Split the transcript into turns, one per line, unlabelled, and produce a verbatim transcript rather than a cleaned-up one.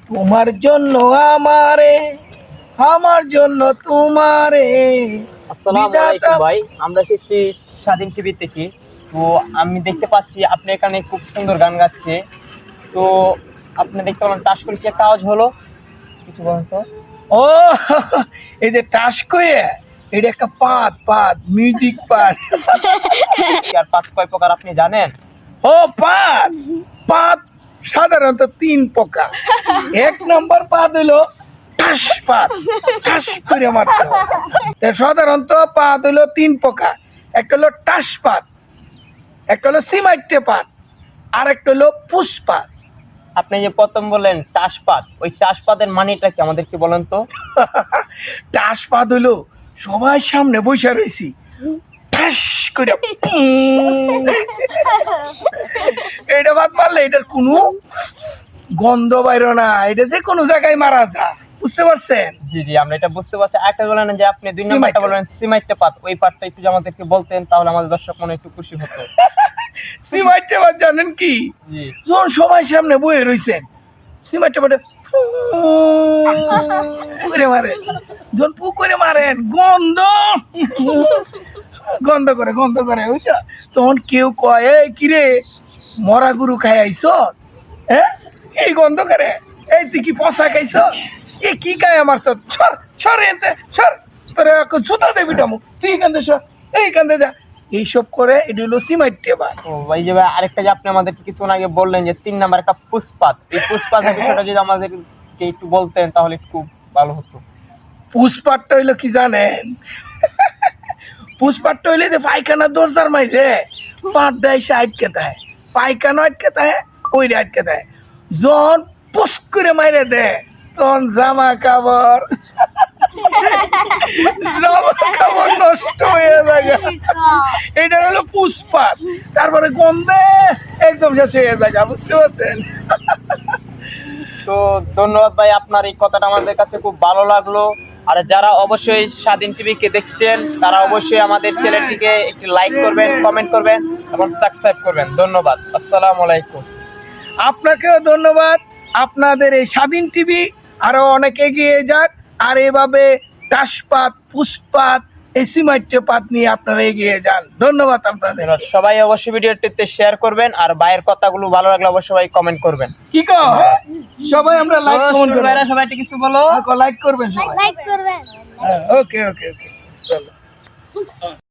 তোমার জন্য আমারে, আমার জন্য তোমারে।
আসসালামু আলাইকুম ভাই, আমরা এসেছি স্বাধীন টিভি থেকে। তো আমি দেখতে পাচ্ছি আপনি এখানে খুব সুন্দর গান গাচ্ছে। তো আপনি দেখতে পেলাম টাস করে কি একটা আওয়াজ হলো, কিছু বলেন তো।
ও এই যে টাস করে, এটা একটা পাত পাত মিউজিক পাত।
আর পাঁচ কয় প্রকার আপনি জানেন?
ও পাত পাত সাধারণত তিন প্রকার। এক নম্বর পাত হইলো টাস পাত, টাস করে মারতে হয়। তা সাধারণত পাত হইলো তিন প্রকার। একটা হলো টাস পাত, একটা হলো সিমাইটে পাত, আর একটা হলো পুষ্পাত।
আপনি যে প্রথম বললেন টাসপাত, ওই টাসপাতের মানেটা কি আমাদেরকে বলেন তো।
টাস পাত হইলো সবাই সামনে বসে রয়েছি, ঠাস করে পুং। এটা বাদ মারলে এটার কোনো গন্ধ বাইরো না, এটা যে কোনো জায়গায় মারা যা, বুঝতে পারছেন?
জি জি, আমরা এটা বুঝতে পারছি। একটা বলেন যে আপনি দুই নম্বরটা
সিমাইটে।
বললেন সিমাইটে পাত, ওই পাতটা একটু যদি আমাদেরকে বলতেন তাহলে আমাদের দর্শক মনে একটু খুশি হতো।
সিমাইটে বাদ জানেন কি?
জি,
যখন সবাই সামনে বয়ে রয়েছেন, সিমাইটে বাদে করে মারে, যখন পু করে মারেন গন্ধ গন্ধ করে গন্ধ করে, বুঝছো? তখন কেউ কয় এই কিরে মরা গরু খাই আইস, হ্যাঁ এই গন্ধ করে, এই তুই কি পচা খাইছ, এ কি খায় আমার সর সর সর এতে সর, তোর জুতা দেবি টামু, তুই এখান থেকে সর, এইখান থেকে যা, এইসব করে। এটা হলো সিমাইটে বা।
ও ভাই, যে ভাই আরেকটা যে আপনি আমাদেরকে কিছুক্ষণ আগে বললেন যে তিন নাম্বার একটা পুষ্পাত, এই পুষ্পাতের বিষয়টা যদি আমাদেরকে একটু বলতেন তাহলে একটু ভালো হতো।
পুষ্পাটটা হইলো কি জানেন? পুষ্পাটটা হইলে যে পায়খানা দরজার মাইছে পাটটা এসে আটকে দেয়, পায়খানা আটকে দেয়, ওইটা আটকে দেয়। যখন পুস করে মাইরে দেয় তখন জামা কাপড় জামা কাপড় নষ্ট হয়ে যায়। এটা হলো পুষ্পাত। তারপরে গন্ধে একদম শেষ হয়ে যায়, বুঝতে পারছেন?
তো ধন্যবাদ ভাই, আপনার এই কথাটা আমাদের কাছে খুব ভালো লাগলো। আর যারা অবশ্যই স্বাধীন টিভিকে দেখছেন তারা অবশ্যই আমাদের চ্যানেলটিকে একটি লাইক করবেন, কমেন্ট করবেন এবং সাবস্ক্রাইব করবেন। ধন্যবাদ, আসসালামু আলাইকুম।
আপনাকেও ধন্যবাদ। আপনাদের এই স্বাধীন টিভি আরো অনেক এগিয়ে যাক, আর এভাবে টাসপাত পুষ্পাত এই সিমাইটে পাত নিয়ে আপনারা এগিয়ে যান। ধন্যবাদ আপনাদের।
এবার সবাই অবশ্যই ভিডিওটিতে শেয়ার করবেন, আর ভাইয়ের কথাগুলো ভালো লাগলে অবশ্যই সবাই কমেন্ট করবেন।
কি কো সবাই আমরা লাইক কমেন্ট করব,
ভাইরা সবাই কিছু বলো,
লাইক করবেন সবাই।
লাইক করবেন।
ওকে ওকে ওকে চলো।